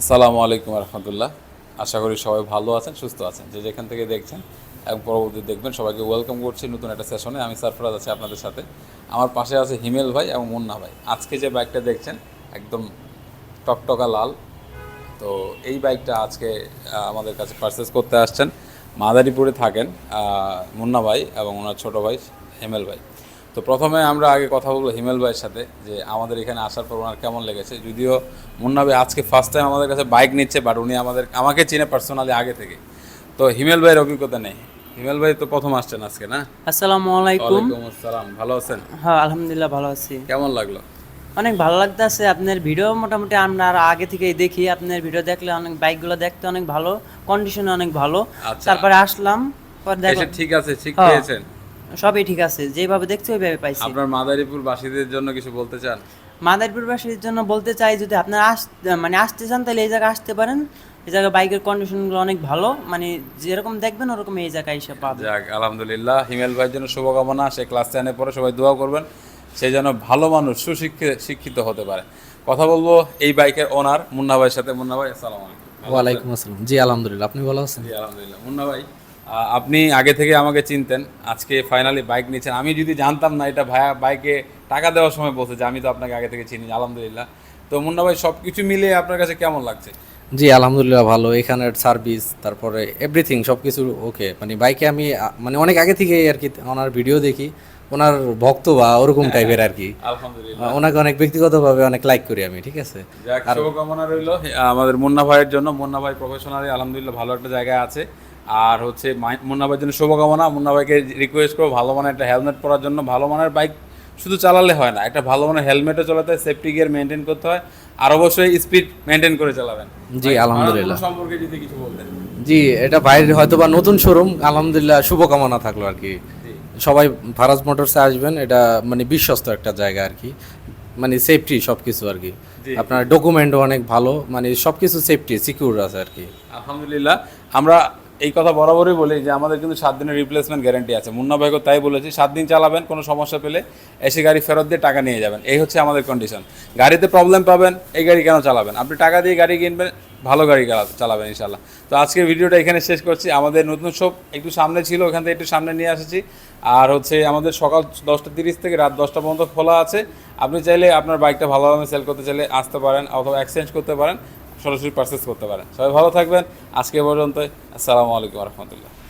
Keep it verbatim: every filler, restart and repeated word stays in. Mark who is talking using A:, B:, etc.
A: আসসালামু আলাইকুম রহমতুল্লাহ। আশা করি সবাই ভালো আছেন, সুস্থ আছেন, যে যেখান থেকে দেখছেন এবং পরবর্তী দেখবেন। সবাইকে ওয়েলকাম করছি নতুন একটা সেশনে। আমি সারফরাজ আছি আপনাদের সাথে। আমার পাশে আছে হিমেল ভাই এবং মুন্না ভাই। আজকে যে বাইকটা দেখছেন একদম টকটকা লাল, তো এই বাইকটা আজকে আহ, আমাদের কাছে পারচেস করতে আসছেন। মাদারীপুরে থাকেন আহ, মুন্না ভাই এবং ওনার ছোটো ভাই হিমেল ভাই। তো প্রথমে আমরা আগে কথা বলবো হিমেল ভাইয়ের সাথে, যে আমাদের এখানে আসার পর ওনার কেমন লেগেছে। যদিও মুন্না ভাই আজকে ফার্স্ট টাইম আমাদের কাছে বাইক নিচ্ছে, বাট উনি আমাদের আমাকে চিনে পার্সোনালি আগে থেকে। তো হিমেল ভাইয়ের অভিজ্ঞতা নেই। হিমেল ভাই তো প্রথম আসছেন আজকে, না?
B: আসসালামু আলাইকুম।
A: ওয়ালাইকুম আসসালাম, ভালো আছেন?
B: হ্যাঁ, আলহামদুলিল্লাহ ভালো আছি।
A: কেমন লাগলো?
B: অনেক ভালো লাগতেছে। আপনার ভিডিও মোটামুটি আমরা আর আগে থেকেই দেখি। আপনার ভিডিও দেখলে অনেক বাইকগুলো দেখতে অনেক ভালো, কন্ডিশনে অনেক ভালো।
A: আচ্ছা,
B: তারপরে আসলাম, পর
A: এসে
B: দেখো
A: ঠিক আছে, ঠিক
B: হ্যাঁ,
A: পেয়েছেন?
B: সবই ঠিক আছে, যেভাবে দেখছি ওইভাবে পাইছি।
A: আপনার মাদারীপুর বাসীদের জন্য কিছু বলতে চান?
B: মাদারীপুরবাসীর জন্য বলতে চাই, যদি আপনারা আস মানে আসতে চান তাহলে এই জায়গায় আসতে পারেন। এই জায়গায় বাইকের কন্ডিশনগুলো অনেক ভালো, মানে যেরকম দেখবেন ওরকম এই জায়গায় এসে পাবেন।
A: যাক, আলহামদুলিল্লাহ। হিমেল ভাইয়ের জন্য শুভকামনা। সে ক্লাস টেনে পরে সবাই দোয়া করবেন সে যেন ভালো মানুষ, সুশিক্ষিত শিক্ষিত হতে পারে। কথা বলবো এই বাইকের ওনার মুন্না ভাইয়ের সাথে। মুন্না ভাই, আসসালামু আলাইকুম। ভালো আছেন?
C: ওয়ালাইকুম আসসালাম। জি আলহামদুলিল্লাহ, আপনি ভালো আছেন?
A: জি আলহামদুলিল্লাহ। মুন্না ভাই, আহ, আপনি আগে থেকে আমাকে চিনতেন, আজকে ফাইনালি বাইক নিচ্ছেন। আমি যদি জানতাম না এটা ভাইয়া বাইকে টাকা দেওয়ার সময় বলছে যে আমি তো আপনাকে আগে থেকে চিনি, আলহামদুলিল্লাহ। তো মুন্না ভাই, সব কিছু মিলিয়ে আপনার কাছে কেমন লাগছে?
C: জি আলহামদুলিল্লাহ ভালো। এখানের সার্ভিস, তারপরে এভরিথিং সব কিছু ওকে। মানে বাইকে আমি আ, মানে অনেক আগে থেকে আর কি ওনার ভিডিও দেখি, ওনার ভক্ত বা ওরকম টাইপের আর কি।
A: আলহামদুলিল্লাহ।
C: আ, ওনাকে অনেক ব্যক্তিগতভাবে অনেক লাইক করি আমি, ঠিক আছে।
A: যাক,
C: আর
A: শুভকামনা রইল আমাদের মুন্না ভাইয়ের জন্য। মুন্না ভাই প্রফেশনালি আলহামদুলিল্লাহ ভালো একটা জায়গায় আছে। আর হচ্ছে মাই- মুন্না ভাইয়ের জন্য শুভকামনা। মুন্না ভাইকে রিকোয়েস্ট করবো ভালো মানের একটা হেলমেট পরার জন্য। ভালো মানের বাইক শুধু চালালে হয় না, একটা ভালো মানের হেলমেটও চালাতে হয়, সেফটি গিয়ার মেনটেন করতে হয়, আর অবশ্যই স্পিড মেনটেন করে চালাবেন।
C: জি
A: ভাই,
C: আলহামদুলিল্লাহ।
A: ভারতবর্ষ সম্পর্কে যদি কিছু বলতেন।
C: জি, এটা বাইরের হয়তো বা নতুন শোরুম, আলহামদুলিল্লাহ শুভকামনা থাকলো আর কি।
A: জি
C: সবাই ফারাজ মোটরসে আসবেন, এটা মানে বিশ্বস্ত একটা জায়গা আর কি। মানে সেফটি সব কিছু আর কি।
A: জি।
C: আপনার ডকুমেন্টও অনেক ভালো, মানে সব কিছু সেফটি সিকিউর আছে আর কি।
A: আলহামদুলিল্লাহ। আমরা এই কথা বরাবরই বলি যে আমাদের কিন্তু সাত দিনের রিপ্লেসমেন্ট গ্যারান্টি আছে। মুন্না ভাইকে তাই বলেছি, সাত দিন চালাবেন, কোনো সমস্যা পেলে এসে গাড়ি ফেরত দিয়ে টাকা নিয়ে যাবেন। এই হচ্ছে আমাদের কন্ডিশন। গাড়িতে প্রবলেম পাবেন, এই গাড়ি কেন চালাবেন? আপনি টাকা দিয়ে গাড়ি কিনবেন, ভালো গাড়ি চালা- চালাবেন ইনশাল্লাহ। তো আজকের ভিডিওটা এখানে শেষ করছি। আমাদের নতুন শপ একটু সামনে ছিল, ওখান থেকে একটু সামনে নিয়ে এসেছি। আর হচ্ছে আমাদের সকাল দশটা তিরিশ থেকে রাত দশটা পর্যন্ত খোলা আছে। আপনি চাইলে আপনার বাইকটা ভালোভাবে সেল করতে চাইলে আসতে পারেন, অথবা এক্সচেঞ্জ করতে পারেন, সরাসরি পারচেস করতে পারেন। সবাই ভালো থাকবেন। আজকে পর্যন্ত, আসসালামু আলাইকুম রহমতুল্লাহ।